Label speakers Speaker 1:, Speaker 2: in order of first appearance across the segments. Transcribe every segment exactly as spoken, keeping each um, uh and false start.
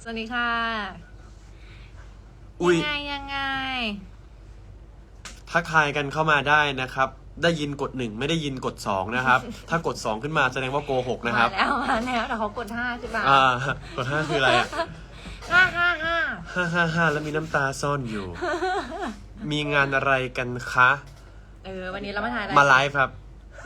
Speaker 1: วัสดีค่ะยังไงยังไง
Speaker 2: ทักทายกันเข้ามาได้นะครับ ได้ยินกดหนึ่งไม่ได้ยินกดสองนะครับ ถ้ากดสองขึ้นมาแสดงว่าโกหกนะครับ
Speaker 1: มาแล้วมาแล้วแต่เขากดห้าใช่ปะ
Speaker 2: อ่ากดห้าคืออะไรอ่ะ
Speaker 1: ห้าห้าห้า
Speaker 2: ห้าห้าห้าแล้วมีน้ำตาซ่อนอยู่ มีงานอะไรกันคะ
Speaker 1: เออวันนี้เรามาถ่ายอะไร
Speaker 2: มาไลฟ์ครับ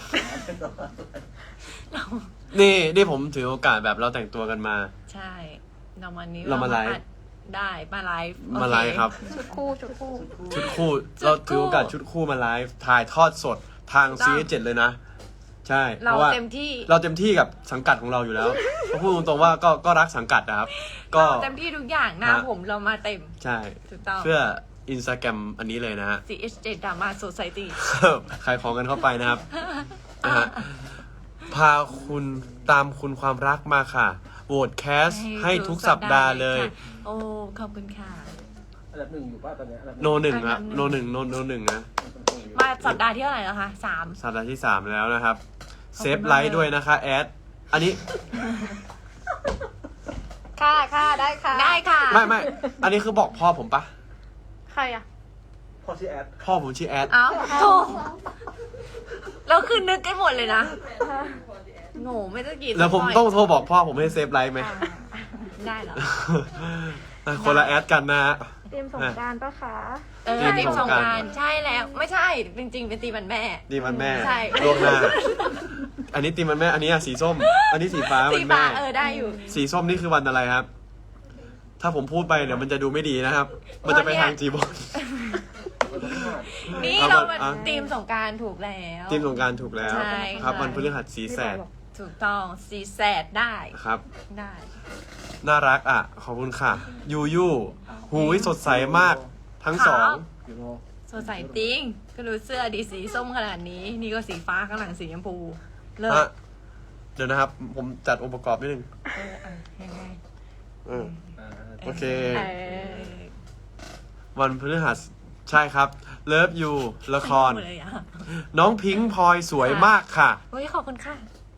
Speaker 2: นี่นี่ผมถือโอกาสแบบเราแต่งตัวกันมา
Speaker 1: ใช่เราวันนี้
Speaker 2: เรามาไลฟ์
Speaker 1: ได้มาไลฟ์
Speaker 2: มาไลฟ์ครับ
Speaker 1: ชุดคู่ชุดคู่
Speaker 2: ชุดคู่เราถือโอกาสชุดคู่มาไลฟ์ถ่ายทอดสดทาง ซี เอส เจ็ด เลยนะใช่
Speaker 1: เราเต็มที่
Speaker 2: เราเต็มที่กับสังกัดของเราอยู่แล้วก็พูดตรงๆว่าก็ก็รักสังกัดนะครับก็
Speaker 1: เต็มที่ทุกอย่างหน้าผมเรามาเต็ม
Speaker 2: ใช่เพื่ออินสตาแกรมอันนี้เลยนะฮะ
Speaker 1: ซี เอส เจ็ด Drama Society
Speaker 2: ขายของกันเข้าไปนะครับนะฮะพาคุณตามคุณความรักมาค่ะโหวตแคสให้ทุกสัปดาห์เลย
Speaker 1: โอ้ขอบคุณค่ะ
Speaker 3: อันดับหนึ่งอยู่ป่ะตอนนี้
Speaker 2: โนหนึ่งครับโนหนึ่งโนโนหนึ่งนะ
Speaker 1: มาสัปดาห์ที่เท่าไหร่แล้วคะสาม
Speaker 2: สัปดาห์ที่สามแล้วนะครับเซฟไลท์ด้วยนะคะแอดอันนี้
Speaker 1: ค่ะค่ะได้ค่ะได้ค่ะ
Speaker 2: ไม่ไม่อันนี้คือบอกพ่อผมปะ
Speaker 1: ใครอะ
Speaker 3: พ่อชื่อแอด
Speaker 2: พ่อผมชื่อแอด
Speaker 1: อ้าวโธ่เราคือนึกกันหมดเลยนะโง่ไม่ต้องกี่
Speaker 2: แล้วผมต้องโทรบอกพ่อผมให้เซฟไลท์ไหม
Speaker 1: ได้เหรอ
Speaker 2: คนละแอดกันนะฮะ
Speaker 4: ทีมสงการปะคะ
Speaker 1: เออทีมสงการใช่แล้วไม่ใช่จริงๆเป็นตีมันแม่
Speaker 2: ตีมันแม่
Speaker 1: ใช่
Speaker 2: ล่วงหน้าอันนี้ตีมันแม่อันนี้สีส้มอันนี้สีฟ้ามันแม่
Speaker 1: เออได้อยู่
Speaker 2: สีส้มนี่คือวันอะไรครับถ้าผมพูดไปเดี๋ยวมันจะดูไม่ดีนะครับ มันจะไปทางจีบอล
Speaker 1: นี่เราเป็นทีมสงการถูกแล้ว
Speaker 2: ทีมสงการถูกแล้วครับวันพฤหัสสีแสด
Speaker 1: ถูกต้องสีแสดได้
Speaker 2: ครับ
Speaker 1: ได้
Speaker 2: น่ารักอ่ะขอบคุณค่ะยูยูหูยสดใสมากทั้งสอง
Speaker 1: สดใสจริงก็รู้เสื้อดีสีส้มขนาดนี้นี่ก็สีฟ้าข้างหลังสีชมพูเลิศ
Speaker 2: เดี๋ยวนะครับผมจัดองค์ประกอบนิดนึง
Speaker 1: เอออ่ะยังไง
Speaker 2: เออโอเควันพฤหัสใช่ครับเลิฟยูละครน้องพิงค์พลอยสวยมากค่ะ
Speaker 1: เฮ้ยขอบคุณค่ะ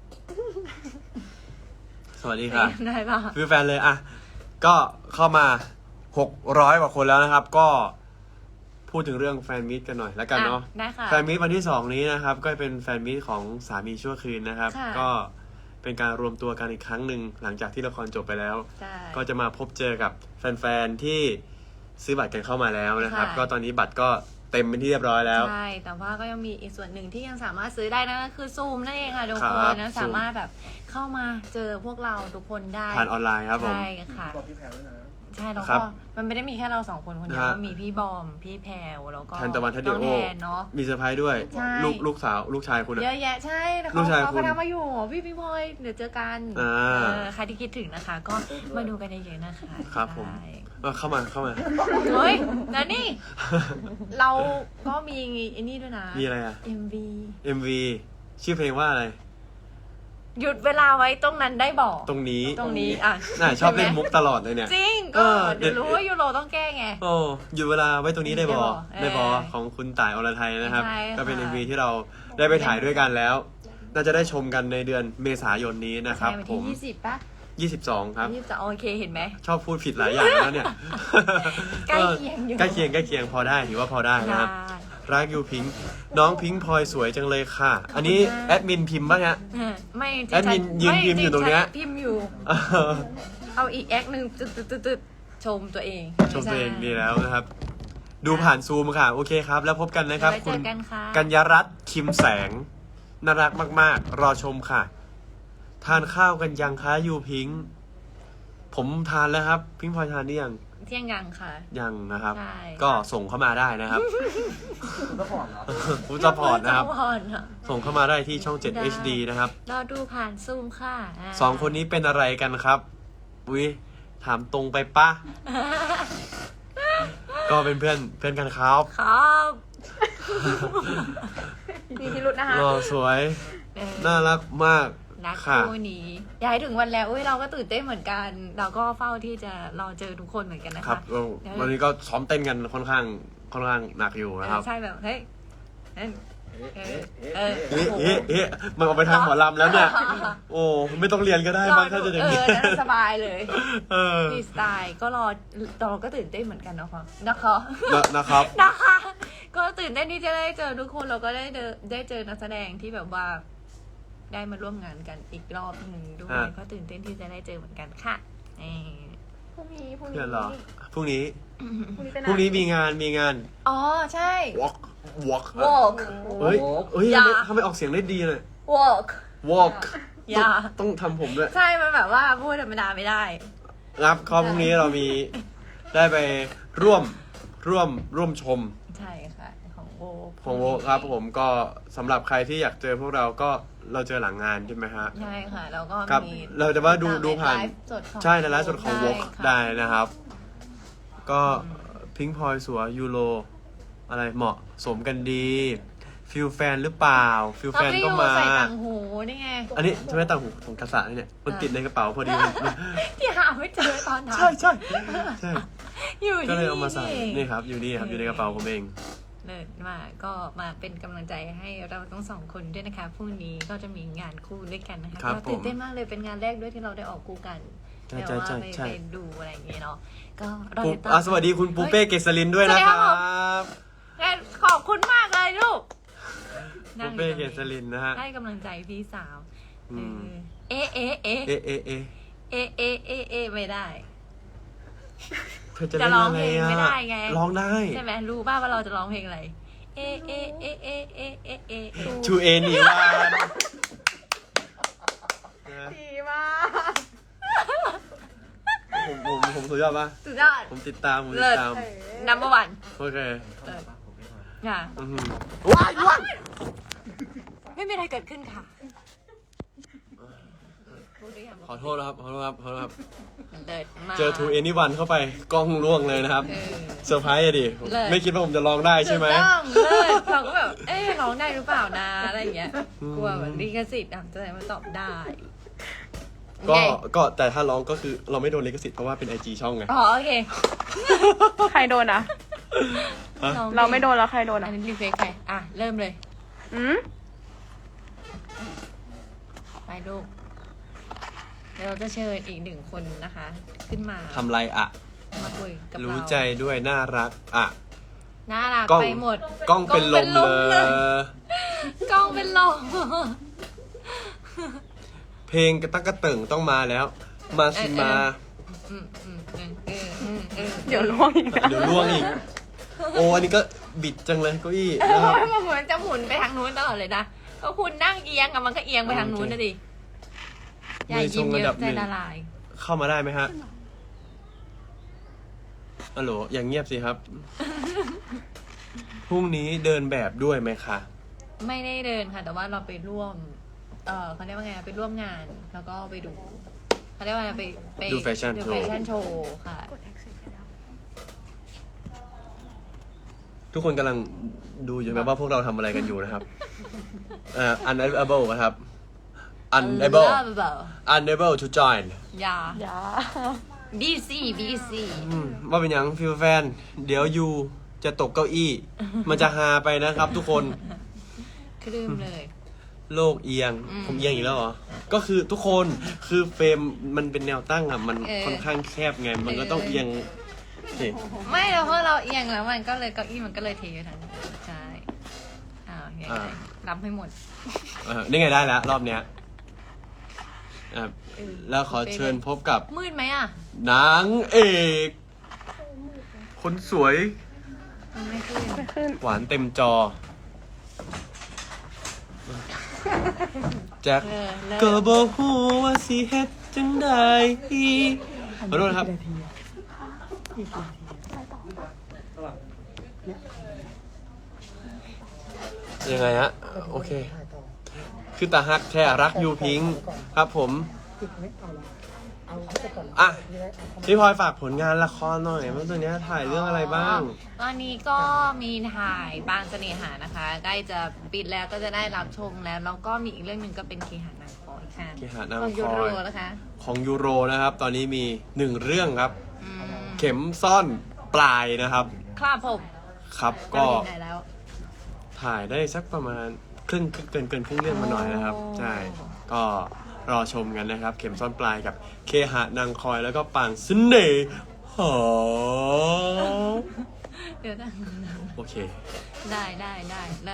Speaker 2: สวัสดีค่ะ
Speaker 1: ได้ป่ะ
Speaker 2: คือแฟนเลยอ่ะก็เข้ามาหกร้อยกว่าคนแล้วนะครับก็พูดถึงเรื่องแฟนมิตกันหน่อยแล้วกันเนาะแฟนมิตวันที่สองนี้นะครับก็เป็นแฟนมิตของสามีชั่วคืนนะครับก็เป็นการรวมตัวกันอีกครั้งหนึ่งหลังจากที่ละครจบไปแล้วก็จะมาพบเจอกับแฟนๆที่ซื้อบัตรกันเข้ามาแล้วนะครับก็ตอนนี้บัตรก็เต็มเป็นที่เรียบร้อยแล้ว
Speaker 1: ใช่แต่ว่าก็ยังมีอีกส่วนหนึ่งที่ยังสามารถซื้อได้นั่นก็คือซูมนั่นเองค่ะทุกคนนะสามารถแบบเข้ามาเจอพวกเราทุกคนได้
Speaker 2: ผ่านออนไลน์ครับผม
Speaker 1: ใช่ค่ะใช่แล้วก็มันไม่ได้มีแค่เราสองคนคนเดียวมีพี่บอมพี่แพรวแล้วก็
Speaker 2: แทนตะวันทัดเดียว
Speaker 1: เนาะ
Speaker 2: มีเซอร์ไพรส์ด้วยลูกลูกสาวลูกชายคุณ
Speaker 1: เยอะแยะใช่
Speaker 2: ลูกชาย
Speaker 1: คุณเขาทำมาอยู่พี่พี่พลอยเดี๋ยวเจอกันใครที่คิดถึงนะคะก็มาดูกันเยอะๆนะคะ
Speaker 2: ครับผมเข้ามาเข้ามา
Speaker 1: เฮ้ยแล้วนี่เราก็มีไอ้นี่ด้วยนะ
Speaker 2: มีอะไรอ่ะ
Speaker 1: เอ็ม วี
Speaker 2: เอ็ม วี ชื่อเพลงว่าอะไร
Speaker 1: หยุดเวลาไว้ตรงนั้นได้บอก
Speaker 2: ตรงนี้
Speaker 1: ตรงนี้อ่ะ
Speaker 2: น่าชอบเล่นมุกตลอดเลยเนี่ย
Speaker 1: จริงก็เดี๋ยวรู้ว่ายูโรต้องแก้ไง
Speaker 2: โอ้หยุดเวลาไว้ตรงนี้ได้บอกได้บอกของคุณต่ายอรไทยนะครับก็เป็น เอ็ม วี ที่เราได้ไปถ่ายด้วยกันแล้วน่าจะได้ชมกันในเดือนเมษายนนี้นะครับผม
Speaker 1: ยี่สิบป่ะ
Speaker 2: ยี่สิบสองครับ
Speaker 1: ยี่สิบสองโอเคเห็นไหม
Speaker 2: ชอบพูดผิดหลายอย่างแล้วเนี่ย
Speaker 1: ใกล้เคียงอยู่
Speaker 2: ใกล้เคียงใกล้เคียงพอได้ถือว่าพอได้นะครับรักยูพิงค์น้องพิงค์พลอยสวยจังเลยค่ะอันนี้แอดมินพิมพ์ป่ะฮะ
Speaker 1: ไม่
Speaker 2: แอดมินยืนพิมพ์อยู่ตรงเนี้ย
Speaker 1: พิมพ์อยู่เอาอีกแอคหนึ่งตึ๊ดๆๆชมตัวเอง
Speaker 2: ชมตัวเองดีแล้วนะครับดูผ่านซูมค่ะโอเคครับแล้วพบกันนะครับ
Speaker 1: คุณ
Speaker 2: กัญญรัตน์คิมแสงน่ารักมากๆรอชมค่ะทานข้าวกันยังคะยูพิงค์ผมทานแล้วครับพิงค์พลอยทานนี่ยัง
Speaker 1: เที่ยงยังค่ะ
Speaker 2: ยังนะครับก็ส่งเข้ามาได้นะครับคุณซัพพอร์ตเหรอคุณซัพพอร์ตนะครับส่งเข้ามาได้ที่ช่องเจ็ด เอช ดี นะครับ
Speaker 1: เราดูผ่านซูมค่ะ
Speaker 2: สองคนนี้เป็นอะไรกันครับอุ้ยถามตรงไปปะก็เป็นเพื่อนเพื่อนกันครับ
Speaker 1: ครับมีพิรุธนะคะ
Speaker 2: หล่อสวยน่ารักมาก
Speaker 1: นักคู่นี้ย้ายถึงวันแล้วอุ้ยเราก็ตื่นเต้นเหมือนกันเราก็เฝ้าที่จะรอเจอทุกคนเหมือนกันนะคะ
Speaker 2: วันนี้ก็ซ้อมเต้นกันค่อนข้างค่อนข้างหนักอยู่นะครับ
Speaker 1: ใช่แบบเฮ้ยเออเออ
Speaker 2: เอ๊ะเอ๊ะเอ๊ะมันออกไปทางหมอลำแล้วเนี่ย โอ้ไม่ต้องเรียนก็ได้มั้งถ้าจะอย่าง
Speaker 1: เอ
Speaker 2: นี้
Speaker 1: อนั่นสบายเลย
Speaker 2: เออ
Speaker 1: ฟรีสไตล์ก็รอเราก็ตื่นเต้นเหมือนกันนะคะนะคะ
Speaker 2: นะนะครับ
Speaker 1: นะคะ ก็ตื่นเต้นที่จะได้เจอทุกคนเราก็ได้เจอได้เจอนักแสดงที่แบบว่า ได้มาร่วมงานกันอีกรอบหนึ่งด้วย
Speaker 2: อ่ะ
Speaker 1: ก็ตื่นเต้นที่จะได้เจอเหมือนกันค่ะเออ
Speaker 4: พรุ่งนี้พรุ่ง
Speaker 2: เพื่
Speaker 4: นี้
Speaker 2: อนเหรอพรุ่งนี้
Speaker 4: พรุ่งนี้เป็น
Speaker 2: พรุ่งนี้มีงานมีงาน
Speaker 1: อ๋อใช่
Speaker 2: walk walk
Speaker 1: walk
Speaker 2: เฮ้ยเฮ้ย
Speaker 1: อย่า
Speaker 2: ทำไมออกเสียงได้ดีเลย
Speaker 1: walk
Speaker 2: walk
Speaker 1: อย่า
Speaker 2: ต้องทำผมด้วย
Speaker 1: ใช่มันแบบว่าพูดธรรมดาไม่ได้
Speaker 2: ครับข้อพรุ่งนี้เรามีได้ไปร่วมร่วมร่วมชม
Speaker 1: ใช่ค่ะ ของโว
Speaker 2: ของโวครับผมก็สำหรับใครที่อยากเจอพวกเราก็เราเจอหลังงานใช่ไหมฮะ
Speaker 1: ใช่ค่ะ แล้วก็
Speaker 2: ครับ
Speaker 1: มี
Speaker 2: เราจะว่าดูดูผ่าน
Speaker 1: ไลฟ์สดของ
Speaker 2: ใช่ในไลฟ์สดของ
Speaker 1: ได้
Speaker 2: ว
Speaker 1: ค่ะ
Speaker 2: ได้นะครับ ก็พิงพลอยสัวยูโรอะไรเหมาะสมกันดีฟิลแฟนหรือเปล่าฟิลแฟนก็มา
Speaker 1: ใส่ต่างหูนี่ไง
Speaker 2: อันนี้ใช่ไหมต่างหูของกษัตริย์เนี่ยมันติดในกระเป๋าพอดีมันมัน
Speaker 1: ที่หาไม่เจอตอนนั้น
Speaker 2: ใช่ใช่ใช่
Speaker 1: อยู่
Speaker 2: ก็
Speaker 1: ที่
Speaker 2: เลยเอามาใส่
Speaker 1: เอง
Speaker 2: นี่ครับ อยู่นี่ครับ อยู่ในกระเป๋าผมเอง
Speaker 1: เลิศมากก็มาเป็นกำลังใจให้เราทั้งสองคนด้วยนะคะพรุ่งนี้ก็จะมีงานคู่ด้วยกันนะคะ
Speaker 2: ครับ
Speaker 1: ก็ตื่น
Speaker 2: ผม
Speaker 1: เต้นมากเลยเป็นงานแรกด้วยที่เราได้ออกคู่กัน
Speaker 2: ใช่
Speaker 1: แต่ว่า
Speaker 2: ใช่
Speaker 1: ไป
Speaker 2: ใช่
Speaker 1: ไปดูอะไรอย่างเงี้ยเนาะก็รอ
Speaker 2: ปุ๊
Speaker 1: ติ
Speaker 2: บ
Speaker 1: ดตาม
Speaker 2: อ่ะสวัสดีคุณปูเป้เกษรินด้วยนะ
Speaker 1: สวัสดี
Speaker 2: ค
Speaker 1: ครั
Speaker 2: รับ บ
Speaker 1: เฮ้ยขอบคุณมากเลยลูก
Speaker 2: ปูเป้เกษรินนะฮะ
Speaker 1: ให้กำลังใจพี่สาว
Speaker 2: อืม
Speaker 1: เออเอ๊ะเอ๊ะเอ๊ะ
Speaker 2: เอะเอะเอะ
Speaker 1: เอ๊ะเอ๊ะเอ๊ะเอ๊ะไม่ได้
Speaker 2: เธอจะ
Speaker 1: จะ
Speaker 2: เล่น
Speaker 1: ร้อง
Speaker 2: อะไร
Speaker 1: เพลง
Speaker 2: อ่ะ
Speaker 1: ไม่ได้ไง
Speaker 2: ร้องได้
Speaker 1: ใช่ไหมรู้ป่าว่าเราจะร้องเพลงอะไร เอ๊ะเอ๊ะเอ๊ะเอ๊ะเอ๊ะเอ๊ะเอ๊ะเอ๊ะ
Speaker 2: ชูเอนีวานนะ
Speaker 4: ดีมาก
Speaker 2: ผมผมผมสุดยอดปะ
Speaker 1: สุดยอด
Speaker 2: ผมติดตามผมติ
Speaker 1: เลิ
Speaker 2: ด
Speaker 1: ศ
Speaker 2: ตาม
Speaker 1: number one
Speaker 2: โอเค
Speaker 1: เลิศค่ะ
Speaker 2: อื้อหือว้ายว้าย
Speaker 1: ไม่มีอะไรเกิดขึ้นค่ะพูดได้ยัง
Speaker 2: ขอโทษนะครับ ขอโทษครับ ขอโทษครับ
Speaker 1: เลิศมาก
Speaker 2: เจอทูเอนีวันเข้าไปกล้องร่วงเลยนะครับ
Speaker 1: เออ
Speaker 2: เซอร์ไพรส์อะดิ
Speaker 1: เลิศ
Speaker 2: ไม่คิดว่าผมจะร้องได้ใช่ไหม
Speaker 1: ถูกต้องเลิศเราก็แบบ เอ๊ะร้องได้หรือเปล่านะอะไรอย่างเงี้ย
Speaker 2: อืม
Speaker 1: กลัวแบบลิขสิทธิ์อ่ะจะไหนมาตอบได้
Speaker 2: ก็
Speaker 1: ไง
Speaker 2: ก็แต่ถ้าร้องก็คือเราไม่โดนลิขสิทธิ์เพราะว่าเป็นไอจีช่องไง
Speaker 1: อ๋อโอเค
Speaker 4: ใครโดนอ่ะ
Speaker 2: ฮะ
Speaker 4: เราไม่โดนแล้วใครโดน
Speaker 1: อั
Speaker 4: อ่ะ
Speaker 1: นนี้รีเฟกใครอ่ะ เริ่มเลย
Speaker 4: อืม
Speaker 1: ไปลูกเดี๋ยวเราจะเชิญอีกหนึ่งคนนะคะ ขึ้นมา
Speaker 2: ทำไรอะ
Speaker 1: มาคุยกับเรา
Speaker 2: รู้ใจด้วยน่ารักอะ
Speaker 1: น่ารัก
Speaker 2: กล้อง
Speaker 1: ไปหมด
Speaker 2: กล้องเป็นลมเลย
Speaker 1: กล้องเป็นลม
Speaker 2: เพลงกระตักกระเติ่งต้องมาแล้ว มาสิมา
Speaker 1: อืมอืมอืมเอออืมเออ
Speaker 4: เดี๋ยวล่วงอีกนะ
Speaker 2: เดี๋ยวล่วงอีก โอ้อันนี้ก็บิดจังเลยเก้าอี้
Speaker 1: เอ
Speaker 2: นะครับ
Speaker 1: อมันเหมือนจะหมุนไปทางนู้นตลอดเลยนะก็คุณนั่งเอียงอะมันก็เอียงไปทางนู้นนะดิอย่ายิ้มเยอะใจละลาย
Speaker 2: เข้ามาได้ไหมฮะฮัลโหลอย่างเงียบสิครับ พรุ่งนี้เดินแบบด้วยไหมคะ
Speaker 1: ไม่ได้เดินค่ะ แต่ว่าเราไปร่วม เออเขาเรียกว่าไงไปร่วมงาน แล้วก็ไปดูเขาเรียกว่าไงไปไป
Speaker 2: ดูแฟชั่น
Speaker 1: ดู
Speaker 2: โช
Speaker 1: แฟ
Speaker 2: ว์
Speaker 1: ชั่นโชว์ค่ะ
Speaker 2: ทุกคนกำลังดูอยู่แบบว่าพวกเราทำอะไรกันอยู่นะครับเอ่อ unable นะครับ unable unable to join
Speaker 1: อย่า
Speaker 4: อย่า
Speaker 1: บีซีบีซี
Speaker 2: อืมว่าเป็นอย่างฟิลแฟน เดี๋ยวยูจะตกเก้าอี้ มันจะฮาไปนะครับทุกคน
Speaker 1: คลืมเลย
Speaker 2: โลกเอียง
Speaker 1: อืม
Speaker 2: ผมเอียงอีกแล้วเหรอ ก็คือทุกคนคือเฟรมมันเป็นแนวตั้งอ่ะ มัน
Speaker 1: เออ
Speaker 2: ค่อนข้างแคบไง มันก็ต้อง
Speaker 1: เออ
Speaker 2: เอียงสิ
Speaker 1: ไม่เราเพราะเราเอียงแล้วมันก็เลยเก้าอี้มันก็เลยเทไปทางนู้นใช่อ้าวยังไงรับให้หมด
Speaker 2: เออนี่ไงได้แล้ว รอบเนี้ยอ่ะแล้วขอเชิญพบกับ
Speaker 1: มืดไหมอ่ะ
Speaker 2: นางเอก คนสวย
Speaker 1: มันไม่ขึ้น
Speaker 4: ไม่ขึ้น
Speaker 2: หวานเต็มจอ แจ็ค
Speaker 1: เออเลิ
Speaker 2: ก็
Speaker 1: ก
Speaker 2: บอกฮู้ว่าสิเฮ็ดจังได้ขอโทษนะครับ ยังไงฮะ โอเค คือตาฮักแท้รักยูพิงค์ครับผม อ่ะ พี่พลอยฝากผลงานละครหน่อยว่าตัวเนี้ยถ่ายเรื่องอะไรบ้าง
Speaker 1: ตอนนี้ก็มีถ่ายบางเสน่หานะคะ ใกล้จะปิดแล้วก็จะได้รับชมแล้ว แล้วก็มีอีกเรื่องหนึ่งก็เป็นเคหานางคอยค่ะ
Speaker 2: เคหานางคอย
Speaker 1: ของยูโรนะคะ
Speaker 2: ของยูโรนะครับ ตอนนี้มีหนึ่งเรื่องครับ
Speaker 1: อืม
Speaker 2: เข็มซ่อนปลายนะครับ
Speaker 1: ครับผม
Speaker 2: ครับ
Speaker 1: ก็
Speaker 2: ก็
Speaker 1: ไปไหนแล้ว
Speaker 2: ถ่ายได้สักประมาณครึ่งเกินเกินครึ่งเรื่องมาหน่อยนะครับ ใช่ ก็รอชมกันนะครับ เข็มซ่อนปลายกับเคหะนางคอยแล้วก็ปางเสน่ห์หอ
Speaker 1: เดี๋ยวนะ
Speaker 2: โอเค
Speaker 1: ได้ได้ได้ได้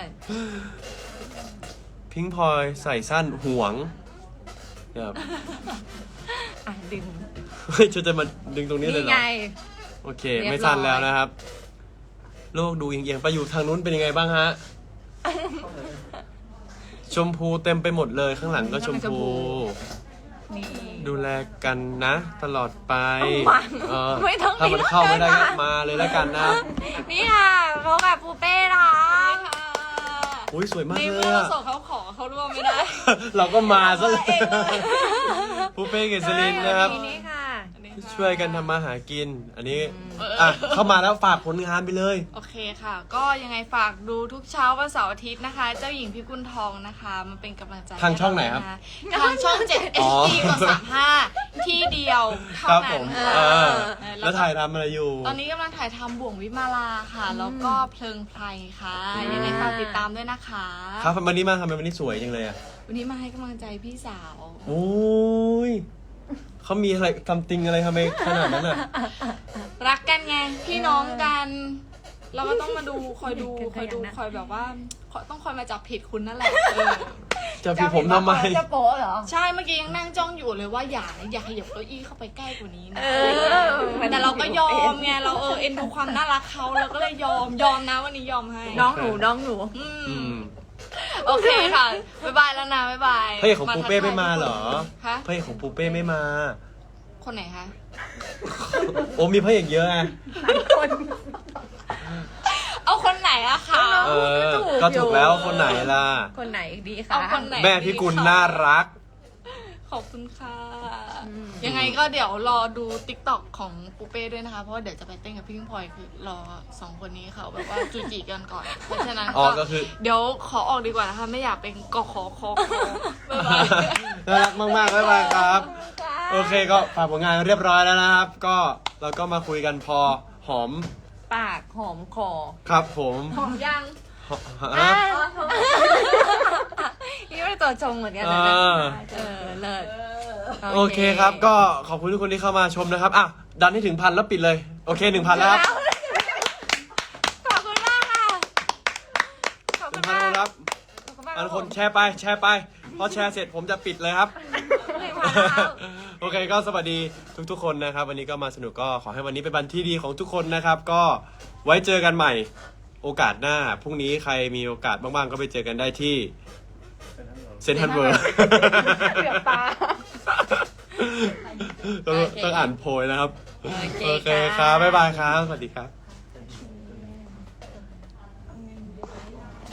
Speaker 2: พิงพลอยใส่สั้นห่วงครับ
Speaker 1: อ่ะดึง
Speaker 2: เฮ้ยจะจะมาดึงตรงนี้เลย
Speaker 1: นี่
Speaker 2: เหรอ
Speaker 1: ไง
Speaker 2: โอเค
Speaker 1: เรียบร้อย
Speaker 2: ไม่สั้นแล้วนะครับ โลกดูเอียงๆไปอยู่ทางนู้นเป็นยังไงบ้างฮะ ชมพูเต็มไปหมดเลยข้างหลังก็ชมพู
Speaker 1: นี่
Speaker 2: ดูแลกันนะ ตลอดไป
Speaker 1: มา
Speaker 2: เออ
Speaker 1: ไม่ต้อง
Speaker 2: ถ้ามัน
Speaker 1: มี
Speaker 2: เข้าไม่ได้
Speaker 1: เลย
Speaker 2: ก็
Speaker 1: นะ
Speaker 2: มาเลยแล้วกันนะ
Speaker 1: นี่ค่ะพบกับปูเป้นะคะ
Speaker 2: อุ้ยสวยมาก
Speaker 5: ใน
Speaker 2: เล
Speaker 5: เมื่
Speaker 2: ย
Speaker 5: อเรา
Speaker 2: อะ
Speaker 5: ส่งเขาขอเขาร่วมไม่ได้
Speaker 2: เราก็มาซะเลย
Speaker 5: มาเองเลย
Speaker 2: ปูเป้เกษรินนะครับ
Speaker 1: ทีนี้ค่ะ
Speaker 2: ช่วยกันทำมาหากิน อันนี้ อ่ะ เข้ามาแล้วฝากผลงานไปเลย
Speaker 5: โอเคค่ะ ก็ยังไงฝากดูทุกเช้าวันเสาร์อาทิตย์นะคะ เจ้าหญิงพิกุลทองนะคะมาเป็นกำลังใจ
Speaker 2: ทางช่องไหนครับ
Speaker 5: ให้เานะคะทางช่องเจ็ด เอ
Speaker 2: อ๋อ
Speaker 5: ช ดี กดสามห้าที่เดียวเท่า
Speaker 2: ครับ
Speaker 5: นั้
Speaker 2: ผ
Speaker 5: น
Speaker 2: ม
Speaker 5: ค่ะ
Speaker 2: เออ
Speaker 5: เออ
Speaker 2: แล้วถ่ายทำอะไรอยู่
Speaker 5: ตอนนี้กำลังถ่ายทำบ่วงวิมาลาค่ะ แล้วก็เพลิงไพรค่ะ ยังไงฝากติดตามด้วยนะคะ
Speaker 2: ครับวันนี้มาทำไมวันนี้สวยจังเลยอ่ะ
Speaker 5: วันนี้มาให้กำลังใจพี่สาว
Speaker 2: โอ้ยเขามีอะไรทำติงอะไรทำไมขนาดนั้นอ่ะ
Speaker 5: รักกันไงพี่น้องกัน เราก็ต้องมาดูคอยดูคอยดู
Speaker 1: กันนะ
Speaker 5: คอยแบบว่าคอยต้องคอยมาจับผิดคุณนั่นแหละเออ
Speaker 2: จะพี่ผมทำไม
Speaker 1: จะโป๊ะเหรอ
Speaker 5: ใช่เมื่อกี้ยังนั่งจ้องอยู่เลยว่าอย่านะอย่าขยับเก้าอี้เข้าไปใกล้กว่านี้นะ
Speaker 1: เออ
Speaker 5: แต่เราก็ยอมไงเราเออเอ็นดูความน่ารักเขาเราก็เลยยอมยอมนะวันนี้ยอมให้
Speaker 1: น้องหนูน้องหนู
Speaker 5: อื
Speaker 2: อื
Speaker 5: ม
Speaker 2: ม
Speaker 5: โอเคค่ะบ๊ายบายแล้วนะบ๊ายบาย
Speaker 2: พระเอกของปูเป้ไม่มาเหรอ
Speaker 5: คะ
Speaker 2: พระเอกของปูเป้ไม่มา
Speaker 5: คนไหนคะ
Speaker 2: โอ้มีพระเอกเยอะไง
Speaker 5: เอาคนไหนอะคะ
Speaker 2: เออ ก็ถูกแล้วคนไหนล่ะ
Speaker 1: คนไหนดีคะ
Speaker 5: เอาคนไหน
Speaker 2: แม่พี่กุลน่ารัก
Speaker 5: ขอบคุณค่ะ
Speaker 1: อืม
Speaker 5: ยังไงก็เดี๋ยวรอดูติ๊กต็อกของปูเป้ด้วยนะคะ เพราะว่าเดี๋ยวจะไปเต้นกับพี่พิงพลอยคือรอสองคนนี้เขาแบบว่าจูจีกันก่อน เพราะฉะนั้น
Speaker 2: อ๋อก็คือ
Speaker 5: เดี๋ยวขอออกดีกว่านะคะ ไม่อยากเป็นกขอคอคอบ๊ายบาย
Speaker 2: น่ารักมากๆบ๊ายบายครับ โอเคก็ฝากผลงานเรียบร้อยแล้วนะครับ ก็เราก็มาคุยกันพอหอม
Speaker 1: ปากหอมคอ
Speaker 2: ครับผม
Speaker 5: หอมยัง
Speaker 2: หอ
Speaker 1: อ่ะ
Speaker 2: ฮะ
Speaker 1: นี่ไม่ตัวชงเหมือนกันนะ
Speaker 2: เออ
Speaker 1: เออเลิศ
Speaker 2: โอเคครับ ก็ขอบคุณทุกคนที่เข้ามาชมนะครับ อ่ะ ดันให้ถึงพันแล้วปิดเลย โอเคหนึ่งพันแล้วครับ
Speaker 1: ขอบคุณมากค่ะ ขอบ
Speaker 2: ห
Speaker 1: คุ
Speaker 2: นึ่
Speaker 1: ณ
Speaker 2: งพัน
Speaker 1: มาก
Speaker 2: ครับ
Speaker 1: ขอบคุณมาก
Speaker 2: อันคนแชร์ไปแชร์ไป พอแชร์เสร็จผมจะปิดเลยครับ
Speaker 1: หนึ่งพันแล้ว
Speaker 2: โอเคก็สวัสดีทุกๆคนนะครับ วันนี้ก็มาสนุกก็ขอให้วันนี้เป็นวันที่ดีของทุกคนนะครับ ก็ไว้เจอกันใหม่โอกาสหน้าพรุ่งนี้ใครมีโอกาสบ้างๆก็ไปเจอกันได้ที่เซนทันเวิร์
Speaker 4: เกือบตา
Speaker 2: ต้องต้องอ่านโพยนะครับ
Speaker 1: โอเค
Speaker 2: โอเคครับบ๊ายบายครับ สวัสดีครับ